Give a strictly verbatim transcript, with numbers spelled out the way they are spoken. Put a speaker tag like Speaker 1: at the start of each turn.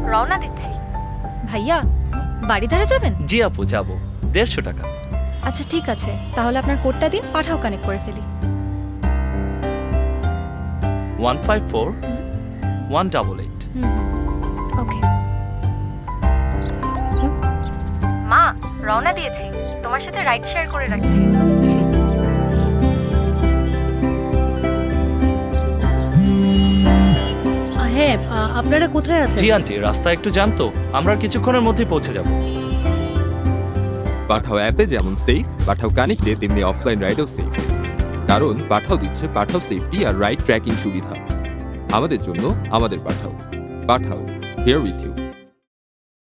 Speaker 1: রওনা দিচ্ছি। ভাইয়া বাড়ি ধারে যাবেন?
Speaker 2: জি আপু, যাবো। দেড়শো টাকা।
Speaker 1: আচ্ছা ঠিক আছে, তাহলে আপনার কোডটা দিন, পাঠাও কানেক্ট করে ফেলি।
Speaker 2: One five four one double eight.
Speaker 1: Okay মা, রওনা দিয়েছি, তোমার সাথে রাইড শেয়ার করে রাখছি।
Speaker 3: হ্যাঁ, আপনারা কোথায় আছেন?
Speaker 2: জি আন্টি, রাস্তা একটু জ্যাম তো, আমরা কিছুক্ষণের মধ্যেই পৌঁছে যাব।
Speaker 4: পাঠাও অ্যাপে যেমন সেফ, পাঠাও কানেক্টে তেমনি অফলাইন রাইডও সেফ। কারণ পাঠাও দিচ্ছে পাঠাও সেফটি আর রাইড ট্র্যাকিং সুবিধা। আমাদের জন্য আমাদের Pathao. Pathao, here with you.